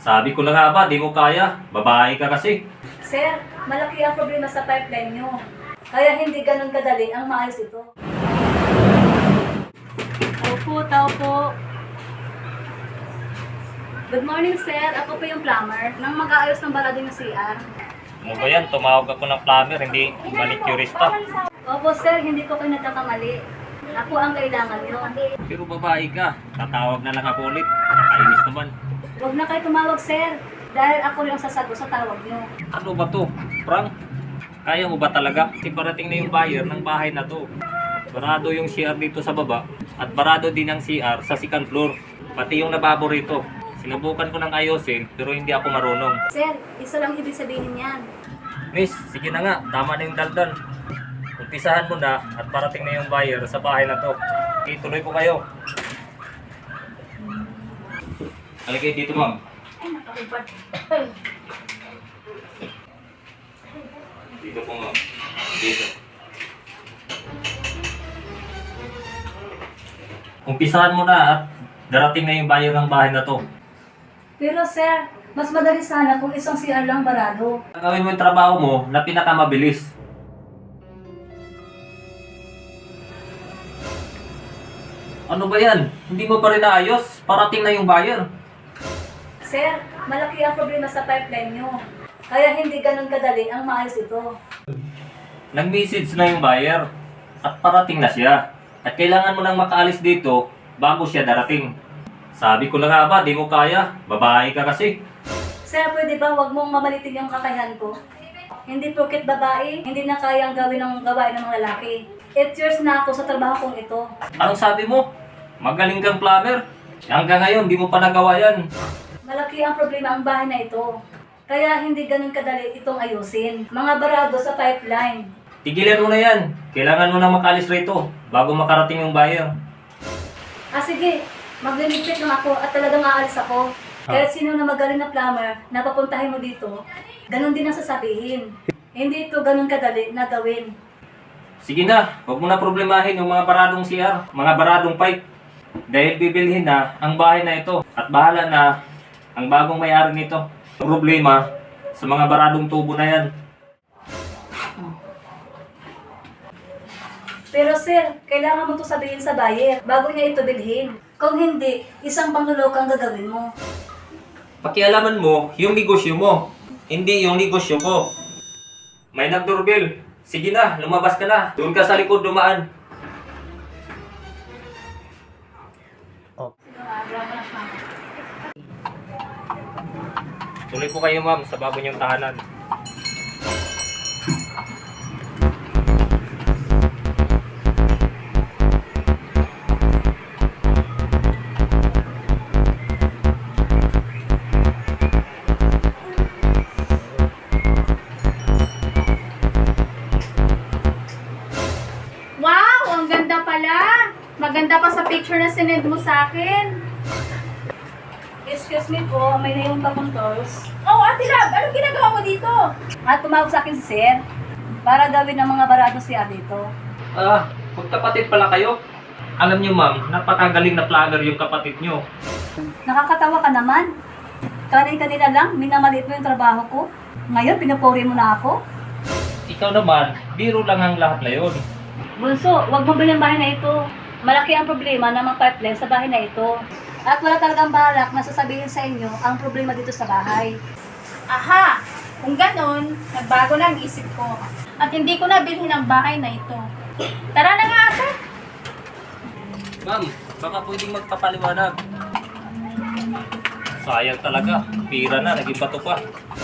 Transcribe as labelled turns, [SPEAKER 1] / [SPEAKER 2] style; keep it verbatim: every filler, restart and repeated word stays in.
[SPEAKER 1] Sabi ko na nga ba, di mo kaya. Babae ka kasi.
[SPEAKER 2] Sir, malaki ang problema sa pipeline nyo. Kaya hindi ganun kadali ang maayos ito. Opo, tao po. Good morning, sir. Ako po yung plumber nang mag-aayos ng balado ng C R.
[SPEAKER 1] Ano ba yan? Tumawag ako ng plumber, hindi manicurista.
[SPEAKER 2] Opo, sir. Hindi ko kayo nagkakamali. Ako ang kailangan nyo.
[SPEAKER 1] Pero babae ka. Tatawag na lang ako ulit. Nakainis naman.
[SPEAKER 2] Huwag na kayo tumawag, sir. Dahil ako rin ang sasagot sa tawag nyo.
[SPEAKER 1] Ano ba to? Frank? Kaya mo ba talaga? Kasi parating na yung buyer ng bahay na to. Barado yung C R dito sa baba at barado din ang C R sa second floor. Pati yung lababo rito. Sinubukan ko ng ayusin pero hindi ako marunong.
[SPEAKER 2] Sir, isa lang ibig sabihin yan.
[SPEAKER 1] Miss, sige na nga. Tama na yung daldal. Umpisahan mo na at parating na yung buyer sa bahay na to. Okay, tuloy ko kayo. Halika dito, ma'am.
[SPEAKER 2] Ay, nakakubad.
[SPEAKER 1] Dito po, ma'am. Dito. Umpisahan mo na at darating na yung buyer ng bahay na to.
[SPEAKER 2] Pero sir, mas madali sana kung isang C R lang barado.
[SPEAKER 1] Gawin mo yung trabaho mo na pinakamabilis. Ano ba yan? Hindi mo pa rin naayos? Parating na yung buyer.
[SPEAKER 2] Sir, malaki ang problema sa pipeline nyo. Kaya hindi ganun kadali ang maayos ito.
[SPEAKER 1] Nag-message na yung buyer at parating na siya. At kailangan mo nang makaalis dito bago siya darating. Sabi ko na nga ba, di mo kaya. Babae ka kasi.
[SPEAKER 2] Sir, pwede ba wag mong mamalitin yung kakayahan ko? Hindi porket babae, hindi na kayang gawin ng gawain ng mga lalaki. Eight years na ako sa trabaho kong ito.
[SPEAKER 1] Anong sabi mo? Magaling kang plumber. Hanggang ngayon, di mo pa nagawa yan.
[SPEAKER 2] Malaki ang problema ang bahay na ito. Kaya hindi ganun kadali itong ayusin. Mga barado sa pipeline.
[SPEAKER 1] Tigilan mo na yan. Kailangan mo na makaalis rito bago makarating yung buyer.
[SPEAKER 2] Ah sige, magliligpit lang ako at talagang aalis ako. Kahit sino na magaling na plumber na papuntahin mo dito, ganun din ang sasabihin. Hindi ito ganun kadali na gawin.
[SPEAKER 1] Sige na, huwag mo na problemahin yung mga baradong C R, mga baradong pipe. Dahil bibilhin na ang bahay na ito at bahala na ang bagong may-ari nito. Problema sa mga baradong tubo na yan.
[SPEAKER 2] Pero sir, kailangan mo ito sabihin sa buyer bago niya ito bilhin. Kung hindi, isang pangluloko ang gagawin mo.
[SPEAKER 1] Pakialaman mo yung negosyo mo, hindi yung negosyo ko. May nag-doorbell. Sige na, lumabas ka na. Doon ka sa likod dumaan. Tuloy ko kayo, ma'am, sa bago niyong tahanan.
[SPEAKER 3] Wow! Ang ganda pala! Maganda pa sa picture na sinend mo sa akin.
[SPEAKER 2] Excuse me po, may naiwan pa kong tools.
[SPEAKER 3] Oh, Ate Lab! Anong ginagawa mo dito?
[SPEAKER 2] At tumawag sa akin si sir para gawin ng mga barado siya dito.
[SPEAKER 1] Ah, magkapatid pala kayo? Alam niyo, ma'am, napakagaling na planner yung kapatid niyo.
[SPEAKER 2] Nakakatawa ka naman. Kanina-kanina lang, minamaliit mo yung trabaho ko. Ngayon, pinupuri mo na ako.
[SPEAKER 1] Ikaw naman, biro lang ang lahat na yun.
[SPEAKER 2] Bunso, wag mong bilhin ang bahay na ito. Malaki ang problema ng mga pipeline sa bahay na ito. At wala talagang balak na sasabihin sa inyo ang problema dito sa bahay.
[SPEAKER 3] Aha! Kung ganon, nagbago na ang isip ko. At hindi ko na bilhin ang bahay na ito. Tara na nga ate!
[SPEAKER 1] Ma'am, baka pwedeng magpapaliwanag. Sayang talaga, pira na, naging bato pa.